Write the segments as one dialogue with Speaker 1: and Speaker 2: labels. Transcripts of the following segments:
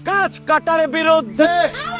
Speaker 1: গাছ কাটার বিরুদ্ধে।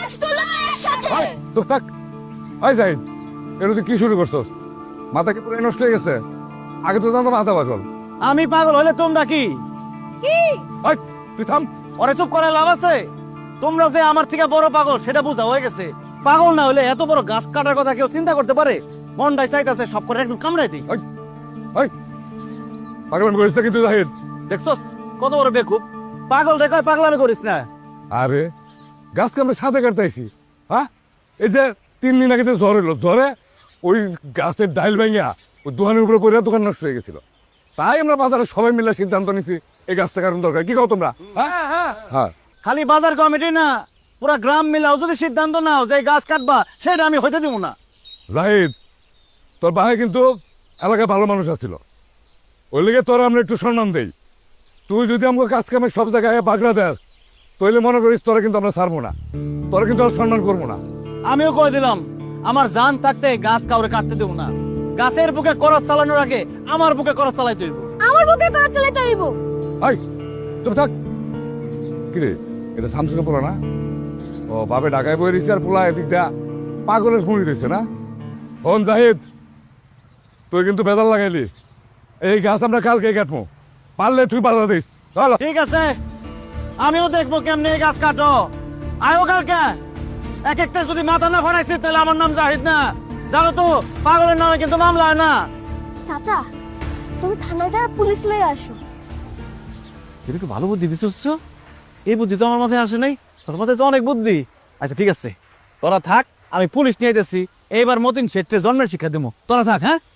Speaker 2: তো থাক। ওই জাহিদ, এর তুই কি শুরু করছস? মাথা কি পুরো নষ্ট হয়ে গেছে? আগে তো জানতো মাথা পাগল।
Speaker 1: আমি পাগল হলে তোমরা কি?
Speaker 2: ওই, তুই থাম।
Speaker 1: ওরে চুপ করে লাভ আছে? তোমরা যে আমার থেকে বড় পাগল সেটা বোঝা হয়ে গেছে। পাগল না হলে এত বড় গাছ কাটার কথা কেউ চিন্তা করতে পারে? মনটাই চাইতেছে সব করে একদম কামড়াই দিই।
Speaker 2: ওই, পাগলামি করিস না কিন্তু জাহিদ।
Speaker 1: দেখছস কত বড় বেকুব। পাগল রে কয় পাগলামি করিস না।
Speaker 2: আরে গাছকে আমরা সাথে কাটতেছি। হ্যাঁ, এই যে 3 দিন আগে যে ঝড় এলো, ঝড়ে ওই গাছের ডাইল ভেঙে ওই দোকানের উপরে পড়ে দোকান নষ্ট হয়ে গেছিল। তাই আমরা বাজারে সবাই মিলে সিদ্ধান্ত নিছি এই গাছটা কারণ দরকার। কি কও তোমরা? হ্যাঁ,
Speaker 1: খালি বাজার কমিটি না, পুরা গ্রাম মিলাও যদি সিদ্ধান্ত নাও যে এই গাছ কাটবা, সেটা আমি হইতে দিব না।
Speaker 2: জাহিদ, তোর বাহে কিন্তু এলাকায় ভালো মানুষ আছিল, ওই লেগে তোরা আমরা একটু সম্মান দেই। তুই যদি আমাকে কাজ কামে সব জায়গায় বাগড়া দেস, তাহলে মনে করিস তোরা কিন্তু আমরা ছাড়বো না, তোরা কিন্তু আর সম্মান করবো না।
Speaker 1: আমিও কয়ে দিলাম আমার জান থাকতে গাছ কাউরে কাটতে দেব না। গাছের বুকে করত চালানোর আগে আমার বুকে করত চালাইতে হইব।
Speaker 3: আমার বুকে করা চালাইতে হইব।
Speaker 2: হাই, চুপ থাক। কিরে, এটা শামসুকে পোলা না? ও বাপে ঢাকায় বই রয়েছে আর পোলা এদিক দিয়া পাগলের মুড়ি রয়েছে না? হন জাহিদ, তুই কিন্তু বেজাল লাগাইলি। এই গাছ আমরা কালকে কাটবো, পারলে তুই বাধা দিস। চলো।
Speaker 1: ঠিক আছে, আমিও দেখবো কেমনে এই গাছ কাটো। আয়ো কালকে। এক একটা যদি মাথা না ফাটাইছি তাহলে আমার নাম জাহিদ না। জানো তো পাগলের নামে কিন্তু মামলা হয় না।
Speaker 3: চাচা, তুমি থানায় যা পুলিশ লয়ে আসো।
Speaker 1: তুমি তো ভালো বুদ্ধি দিচ্ছ। এই বুদ্ধি তো আমার মাথায় আসে নাই। তোর মাথায় তো অনেক বুদ্ধি। আচ্ছা ঠিক আছে, তোরা থাক, আমি পুলিশ নিয়ে যেতেছি। এইবার মতিন শেঠে জন্মের শিক্ষা দেবো। তোরা থাক। হ্যাঁ।